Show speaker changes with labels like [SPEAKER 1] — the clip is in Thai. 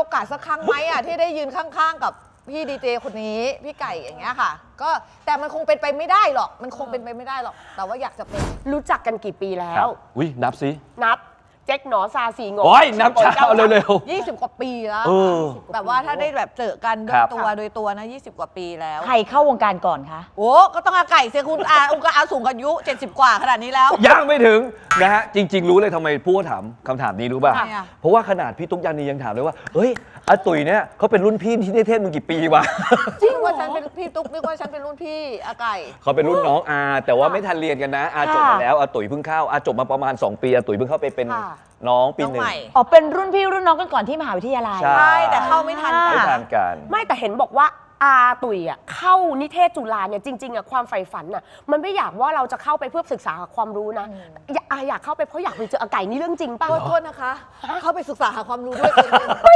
[SPEAKER 1] อกาสสักครั้งไหมอ่ะที่ได้ยืนข้างๆกับพี่ดีเจคนนี้พี่ไก่อย่างเงี้ยค่ะก็แต่มันคงเป็นไปไม่ได้หรอกมันคงเป็นไปไม่ได้หรอกแต่ว่าอยากจะเป็น
[SPEAKER 2] รู้จักกันกี่ปีแล้
[SPEAKER 3] ครั
[SPEAKER 2] ว
[SPEAKER 3] บอุ้ยนับสิ
[SPEAKER 2] นับเจ๊กหนอซาสีง
[SPEAKER 3] โอ้ยนับช้าเอาเร็ว
[SPEAKER 1] 20 กว่าปีแล้ว
[SPEAKER 3] เออ
[SPEAKER 1] แบบว่าถ้าได้แบบเจอกันโด
[SPEAKER 3] ครั
[SPEAKER 1] ย
[SPEAKER 3] บ
[SPEAKER 1] ตัวโดยตัวนะ20 กว่าปีแล้ว
[SPEAKER 4] ใครเข้าวงการก่อนคะ
[SPEAKER 1] โอ้ก็ต้องอาไก่เสียคุณองค์อาสูงอายุ 70 กว่าขนาดนี้แล้ว
[SPEAKER 3] ๆยังไม่ถึงนะฮะจริง ๆ รู้เลยทำไมพูดถามคำถามนี้รู้ป่ะ
[SPEAKER 1] ทำไมอะ
[SPEAKER 3] เพราะว่าขนาดพี่ตุ๊กยานียังถามเลยว่าเฮ้ยอาตุ๋ยเนี่ยเขาเป็นรุ่นพี่ที่นิเทศมึงกี่ปีวะ
[SPEAKER 1] จริงว่าฉันเป็นพี่ตุ๊กนึกว่าฉันเป็นรุ่นพี่อาไก่
[SPEAKER 3] เขาเป็นรุ่นน้องอาแต่ว่าไม่ทันเรียนกันนะอาจบมาแล้วอาตุ๋ยเพิ่งเข้าอาจบมาประมาณ 2 ปีอาตุ๋ยเพิ่งเข้าไปเป็น
[SPEAKER 2] ค่ะ
[SPEAKER 3] น้องปี
[SPEAKER 1] น้อง
[SPEAKER 3] หนึ่
[SPEAKER 1] ให
[SPEAKER 3] ง
[SPEAKER 1] ม่
[SPEAKER 4] อ๋อเป็นรุ่นพี่รุ่นน้องกันก่อนที่มหาวิทยาลัย
[SPEAKER 3] ใช่
[SPEAKER 1] ใช่แต่เข้าไม่ทัน
[SPEAKER 3] ไม่
[SPEAKER 1] กัน
[SPEAKER 3] ทานกัน
[SPEAKER 2] ไม่แต่เห็นบอกว่าอาตุ๋ยอ่ะเข้านิเทศจุฬาเนี่ยจริงๆอ่ะความใฝ่ฝันอ่ะมันไม่อยากว่าเราจะเข้าไปเพื่อศึกษาความรู้นะอยากเข้าไปเพราะอยากไปเจออาไก่นี่เรื่องจริงป่ะ
[SPEAKER 1] โทษนะคะ เข้าไปศึกษาหาความรู้ด้วย